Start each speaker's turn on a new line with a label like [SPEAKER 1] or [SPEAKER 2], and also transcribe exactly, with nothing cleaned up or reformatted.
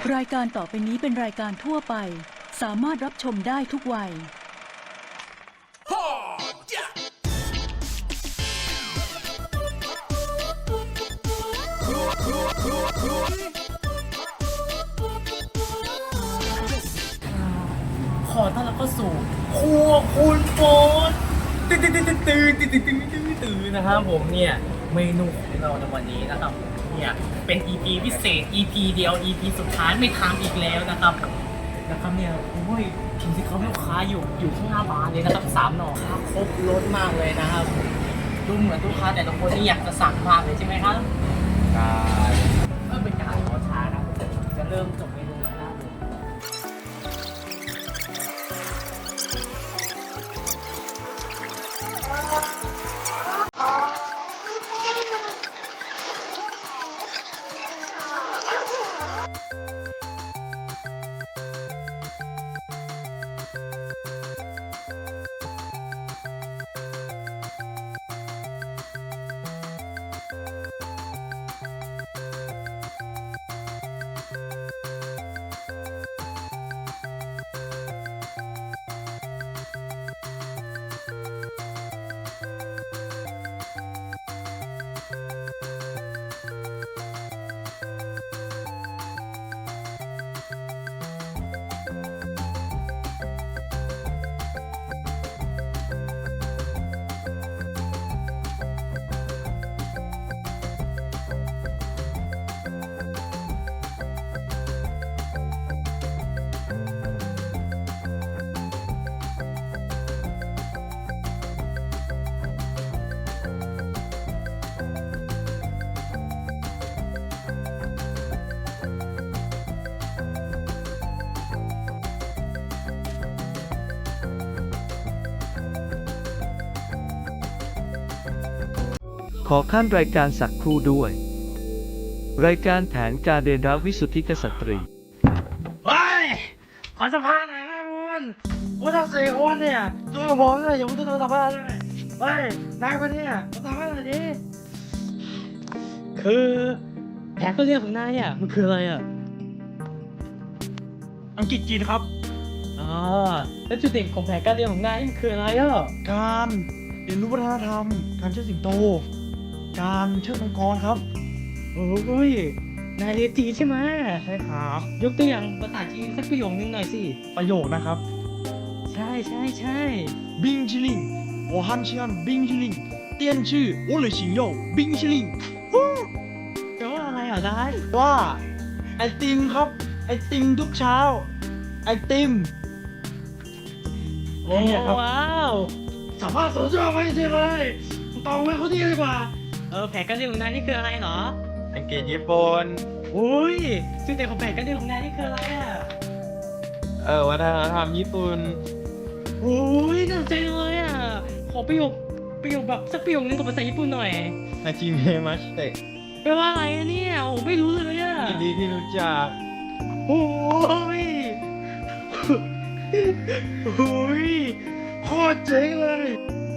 [SPEAKER 1] รายการต่อไปนี้เป็นรายการทั่วไปสามารถรับชมได้ทุกวัย
[SPEAKER 2] ขอต้อนรับเข้าสู่ครัวคุณโฟนตื่นตื่นตื่นตื่นตื่นตื่นตื่นตื่นตื่นนะครับผมเนี่ยเมนูของเราในวันนี้นะครับเนี่ยเป็น อี พี พิเศษ อี พี เดียว อี พี สุดท้ายไม่ทำอีกแล้วนะครับนะครับเนี่ยโอ้ยทีมที่เขาลูกค้าอยู่อยู่ข้างหน้าบ้านเลยนะครับสามหน่อครับครบรสมากเลยนะครับดูเหมือนลูกค้าแต่ละคนนี่อยากจะสั่งมากเลยใช่ไหมครับใช่เพื่อเป็นการขอช้านะจะเริ่มจบเมนูแล้วนะครับ
[SPEAKER 3] ขอขั้นรายการสักครู่ด้วย รายการแผนการเรียนรู้วิสุทธิกษัตรี
[SPEAKER 2] เฮ้ยขอสัมภาษณ์หน่อยนะคุณคุณทั้งสี่คนเนี่ยตัวผมเนี่ยอย่าเพิ่งตัวสัมภาษณ์เลยเฮ้ยนายคนเนี่ยมาสัมภาษณ์หน่อยดิคือแผนก็เรียกของนายอ่ะมันคืออะไรอ่ะ
[SPEAKER 4] อังกฤษจีนครับ
[SPEAKER 2] อ๋อแล้วจุดเด่นของแผนการเรียนของนายมันคืออะไรอ่ะ
[SPEAKER 4] การเรียนรู้วัฒนธรรม การเชิดสิงโต การเชิดมังกรครับ
[SPEAKER 2] โอ้ยนายเรียนจีนใช่ไหม
[SPEAKER 4] ใช่ครับ
[SPEAKER 2] ยกตัวอย่างภาษาจีนสักประโยคนึงหน่อยสิ
[SPEAKER 4] ประโยคนะครับ
[SPEAKER 2] ใช่ใช่ใช่
[SPEAKER 4] บิงชิลิง我很喜欢冰淇淋电锯我的心肉冰淇淋
[SPEAKER 2] แปลว่าอะไรอ่ะนาย
[SPEAKER 4] ว่าไอติมครับ ไอติมทุกเช้า ไอติม
[SPEAKER 2] โอ้
[SPEAKER 4] เนี่ยครับ
[SPEAKER 2] ว้าว
[SPEAKER 4] สัมภาษณ์สุดยอดไปจริงเลยตองไว้เขาดีดีกว่า
[SPEAKER 2] เออแผนการเรียนของนายนี่คืออะไรเหรอ
[SPEAKER 4] อังกฤษญี่ปุ่น
[SPEAKER 2] โอ้ยจุดเด่นของแผนการเรียนของนายนี่คืออะไรอ่ะ
[SPEAKER 4] เออวัฒนธรรมญี่ปุ่น
[SPEAKER 2] โอ้ยน่าสนใจเลยอ่ะ ขอประโยคประโยคแบบสักประโยคนึงกับภาษาญี่ปุ่นหน่อย
[SPEAKER 4] นาจิเมะมัชเตะ
[SPEAKER 2] แปลว่าอะไรอะเนี่ยโอ้ไม่รู้เลยอ่ะ
[SPEAKER 4] ยินดีที่รู้จัก
[SPEAKER 2] โอ้ยโอ้ยโคตรเจ๋งเลย